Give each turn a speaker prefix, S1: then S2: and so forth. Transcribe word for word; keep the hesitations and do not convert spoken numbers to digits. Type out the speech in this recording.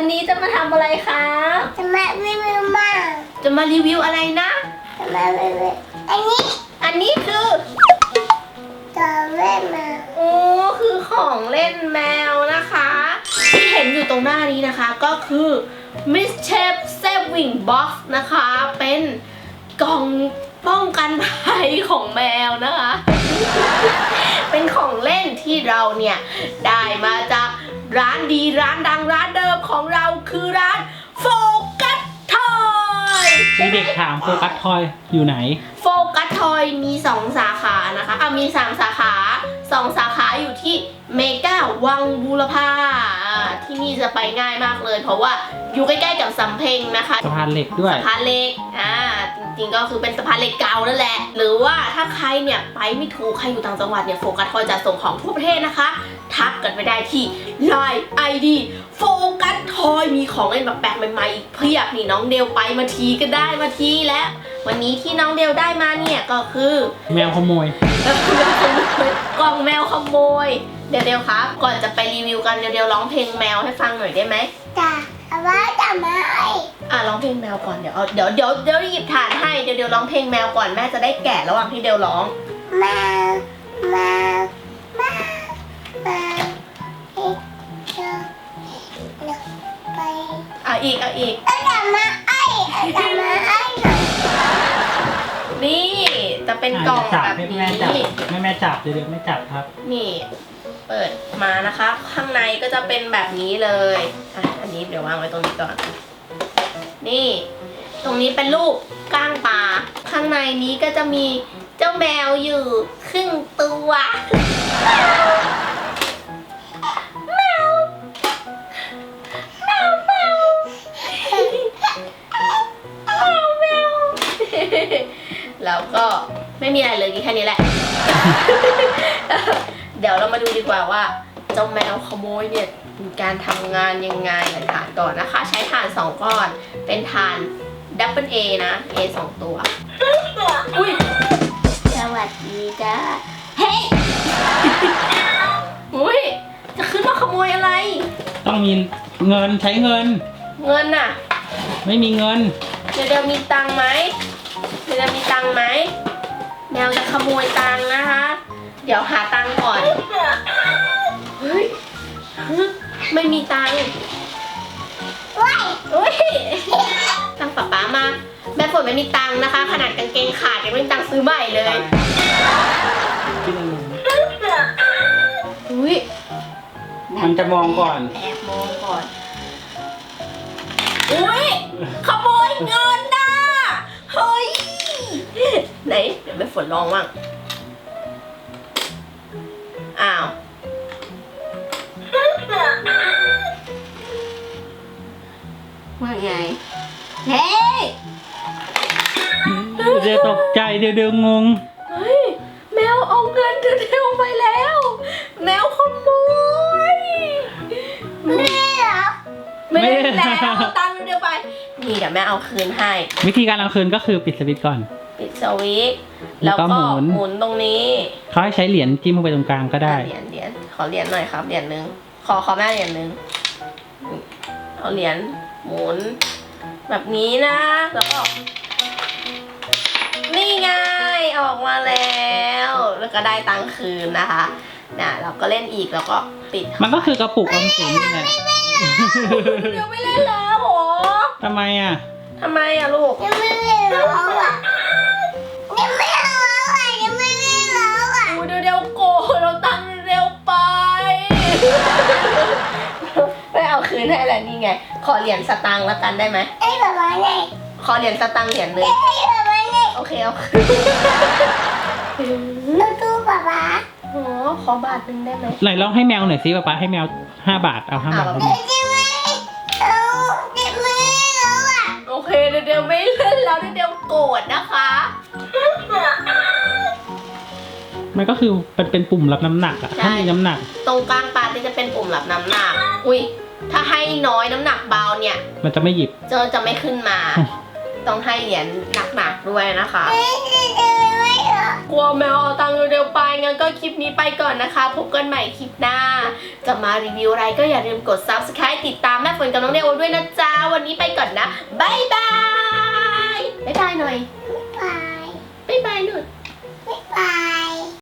S1: นี้จะมาทำอะไรคะ
S2: จะมารีวิวมา
S1: จะมารีวิวอะไรนะ
S2: จะมารีวิวอันนี้
S1: อันนี้คือ
S2: ตัวเล่นมา
S1: โอ้คือของเล่นแมวนะคะที่เห็นอยู่ตรงหน้านี้นะคะก็คือ Mischief Saving Box นะคะเป็นกล่องป้องกันภัยของแมวนะคะเป็นของเล่นที่เราเนี่ยได้มาจากร้านดีร้านดังร้านเดิมของเราคือร้านโฟกัสทอย
S3: มีเด็กถามโฟกัสทอยอยู่ไหน
S1: โฟกัสทอยมีสองสาขานะคะอ่ะมีสามสาขาสองสาขาอยู่ที่เมกาวังบูรพาที่นี่จะไปง่ายมากเลยเพราะว่าอยู่ใกล้ๆกับสำเพ็งนะคะ
S3: สะพานเหล็กด้วย
S1: สะพานเหล็กอ่าจริงๆก็คือเป็นสะพานเหล็กเก่านั่นแหละหรือว่าถ้าใครเนี่ยไปไม่ถูกใครอยู่ต่างจังหวัดเนี่ยโฟกัสทอยจะส่งของทั่วประเทศนะคะทักกันไปได้ที่ ไลน์ ไอ ดี โฟกัสทอยมีของเล่นแบบแปลกใหม่ๆอีกเพียบนี่น้องเดลไปมาทีก็ได้มาทีแล้ววันนี้ที่น้องเดลได้มาเนี่ยก็คือ
S3: แมวขโมย
S1: กล่องแมวขโมยเดี๋ยวเดลครับก่อนจะไปรีวิวกันเดี๋ยวเดลร้องเพลงแมวให้ฟังหน่อยได้ไหม
S2: จ้ะเอาไว้ทำไม
S1: อ่ะร้องเพลงแมวก่อนเดี๋ยวเอาเดี๋ยวเดี๋ยวเดี๋ยวหยิบถ่านให้เดี๋ยวเดลร้องเพลงแมวก่อนแม่จะได้แกะระหว่างที่เดลร้อง
S2: แมวแมวแมวแมวไป
S1: อ่ะอีกอ่ะอีก
S2: เอาทำมาไอ้เอาทำมาไอ้
S1: นี่จะเป็นกล่องแบบนี้
S3: แม่แม่จับเดี๋ยวไม่จับครับ
S1: นี่เปิดมานะคะข้างในก็จะเป็นแบบนี้เลยอ่ะอันนี้เดี๋ยววางไว้ตรงนี้ก่อนนี่ตรงนี้เป็นรูปก้างปลาข้างในนี้ก็จะมีเจ้าแมวอยู่ครึ่งตัวแมวแมวแมวแมวแมวแล้วก็ไม่มีอะไรเลยแค่นี้แหละ เดี๋ยวเรามาดูดีกว่าว่าเจ้าแมวขโมยเนี่ยมีการทำงานยังไงถ่านก่อนนะคะใช้ถ่านสองก้อนเป็นถ่านดับเบิลเอนะ A สองตัวอุ้ยสวัสดีจ้าเฮ้ยอุ้ยจะขึ้นมาขโมยอะไร
S3: ต้องมีเงินใช้เงิน
S1: เงินน่ะ
S3: ไม่มีเงิน
S1: เดี๋ยวเดี๋ยวมีตังค์ไหมเดี๋ยวเดี๋ยวมีตังค์ไหมแมวจะขโมยตังค์นะคะเดี๋ยวหาตังค์ก่อนเฮ้ยไม่มีตังค์
S2: ว้าย
S1: อุ้ยตังค์ป๊าป๊ามาแม่ฝนไม่มีตังค์นะคะขนาดกางเกงขาดยังไม่มีตังค์ซื้อใหม่เลยอุ้ย
S3: มันจะมองก่อน
S1: แอบมองก่อนอุ้ยขโมยเงินนะเฮ้ยไหนเดี๋ยวแม่ฝนลองบ้างอ้าวว่าไงเฮ้ย
S3: เดี๋ยวตกใจเดี๋ยวเดี๋ยวงง
S1: เฮ้ยแมวเอาเงินเดี๋ยวเดี๋ยวไปแล้วแมวขโมย
S2: ไม่ได้หรอ
S1: ไม่ได้แล้วเอาตังค์เดี๋ยวไปนี่เดี๋ยวแม่เอาคืนให้
S3: วิธีการเอาคืนก็คือปิดสวิตช์ก่อน
S1: ปิดสวิตช์แล้วก็หมุนหมุนตรงนี้
S3: เขาให้ใช้เหรียญจิ้มลงไปตรงกลางก็ได้
S1: เหรียญเหรียญขอเหรียญหน่อยครับเหรียญนึงขอขอแม่เหรียญนึงเอาเหรียญหมุนแบบนี้นะแล้วก็นี่ไงออกมาแล้วแล้วก็ได้ตังค์คืนนะคะน่ะเราก็เล่นอีกแล้วก็ปิด
S3: มันก็คือกระปุกออมสินนี่แหละ
S1: เดี๋ยวไม่เล่นแล้วโห
S3: ทำไมอ่ะ
S1: ทำไมอ่ะลูก
S2: ยังไม่เล่นแล้วอ่ะยังไม่เล่นแล้วอ่ะยังไม่เล่นแล้วอ่ะ
S1: อูเดี๋ยวเดี๋ยวโกเราตังค์เร็วไปไม่เอาคืนให้แล้วนี่ไงขอเหรียญสตังค์แล้วกันได้ไหม
S2: ไอ้แบบว่าไง
S1: ขอเหรียญสตังค์เหรียญนึง
S2: ไอ้แบบว่าไง
S1: โอเคเอาคื
S2: นตู้ตู้ป๊าป๊า
S1: โอ้ขอบาทนึงได้ไหม
S3: ไหนลองให้แมวหน่อยสิป๊าป๊าให้แมวห้าบาทเอาห้าบาท
S2: ได้ไหมเอาได้ไหมแล้วอ่ะ
S1: โอเคเดี๋ยวเดี๋ยวไม่เล่นแล้วเดี๋ยวโกรธนะคะ
S3: มันก็คือเป็นเป็นปุ่มรับน้ำหนักอะถ้ามีน้ำหนัก
S1: ตรงกลางปลาที่จะเป็นปุ่มรับน้ำหนักอุ้ยถ้าให้น้อยน้ำหนักเบาเนี่ย
S3: มันจะไม่หยิบ
S1: จะจะไม่ขึ้นมาต้องให้เหรียญหนักๆด้วยนะคะกลัวแมวเอาตังค์เร็วๆไปงั้นก็คลิปนี้ไปก่อนนะคะพบกันใหม่คลิปหน้าจะมารีวิวอะไรก็อย่าลืมกด ซับสไครบ์ ติดตามแม่ฝนกับน้องเดวด้วยนะจ๊ะวันนี้ไปก่อนนะบ๊ายบาย